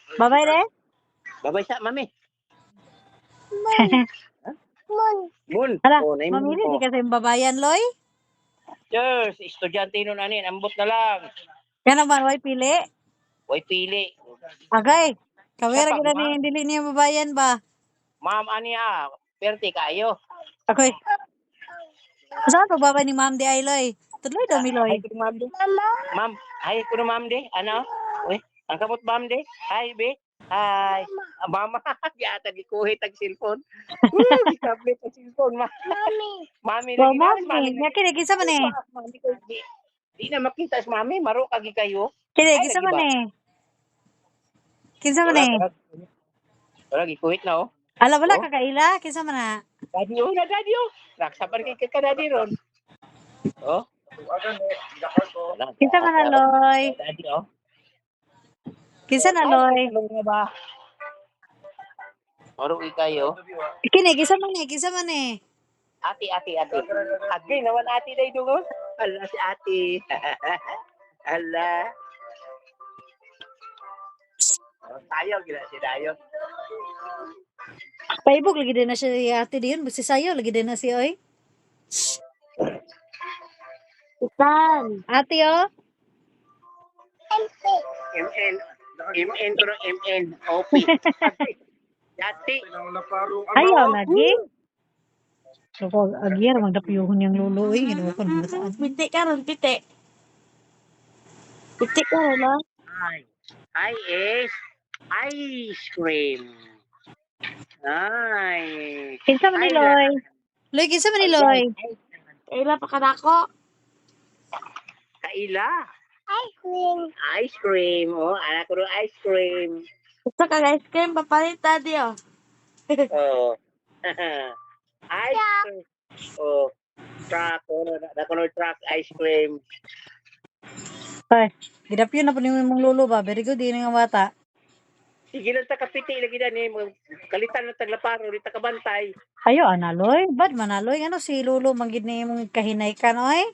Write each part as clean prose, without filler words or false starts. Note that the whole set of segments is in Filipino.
Babay re? Babay sa mami. Mun. Hala, Oh, naimon mamili mo. di kasi yung babayan, Loy. Cheers, estudyante nun anin, ambot na lang. Yan naman, way pili. Way pili. Agay. Kawira Siya pa, kita ni dili niya babayan ba? Ma'am ani perti kayo. Ako'y. Saan to babay ni Ma'am di ay, Loy? Tuloy daw mi, Hi Loy. kuno ma'am de. Ma'am, hi kuno ma'am de. Ano? Uy, ang kamot ma'am de. Hi be. Hi. Mama, yata gikuhit ang cellphone. Gikablit ang cellphone, ma. Mami Wow, lagi na, mami Mami. lagi. Kini, kisa man eh. Mami ko di na makita si mami, maro kagi kayo. Kini, Ay kisa lagi man ba? eh. Kisa man Wala, eh. wala gikuhit na oh. Ala, wala Oh. kakaila. Kisa man na. Daddy oh, na daddy oh. Raksapan kay ka daddy ron. Oh. Wala, Kisa man na, Loy. daddy oh. Kisa na, Ay, Loy. talong na ba? Maro kayo. Kini, kisa man eh. Kisa man eh. Ati. Agi naman ati day dungo. Ala si ati. Ala. Tayo gila si Dayo. Paibog lagi din na siya ate diyon. Basta sayo lagi din na siya, oy. Itan. Ate, oh. MN pero MN. OP. Dati. Ayaw lagi. So, kung agyar, magdapiyuhon yung lulo, eh. Ginawa ko na saan. Piti ka ron, piti. Piti ka ron, ha? Ay is ice cream. Ay. Kinsa man ni Loy? Loy, kinsa man ni Loy? Ila pa kadako. Kaila. Ice cream. Oh, anak ko rin ice cream. Gusto ka ice cream, papalit tadi, oh. Oh. Ice cream. Oh. Truck. Oh, nakuno truck ice cream. Ay, gidapyo na po ni mong lulo ba? Very good, yun nga bata. Sige lang ta kapiti lagi na ni kalitan ng taglaparo di ta kabantay. Ayo, analoy. Bad manaloy. Ano si lulo, manggid na yung kahinay ka, no, eh?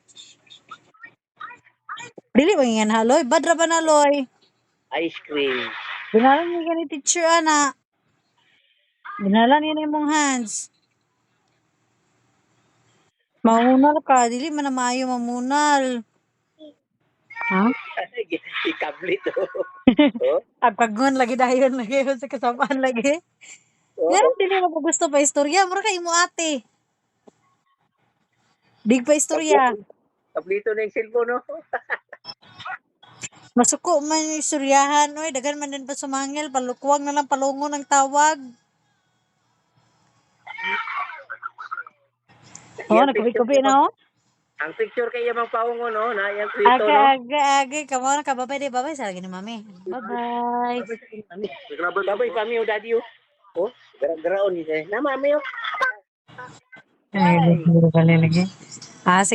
Dili, mangingan haloy. Bad ra ba naloy? Ice cream. Binalan niya ni teacher, ana. Binalan niya na yung hands. Mamunal ka. Dili man na maayo mamunal. Ha? Ikablit oh. Oh. Agpagon lagi dayon lagi sa kasamaan lagi. Ngayon dili mo pa gusto pa istorya. Mura kay mo ate. Dig pa istorya. Kablito na yung cellphone no. Masuko man yung istoryahan. Oy, dagan man din pa sumangil. Palukwang na lang palungon ang tawag. Oh, nagkubi-kubi na oh. Ang picture kay Yamang Paungo no, na yung Twitter no. Aga. Kamo na ka babay di babay sa lagi ni mami. Bye-bye. Babay pa mi o daddy oh. Oh, gara-garaon ni na mami oh. Ay, lagi. Ah, sige.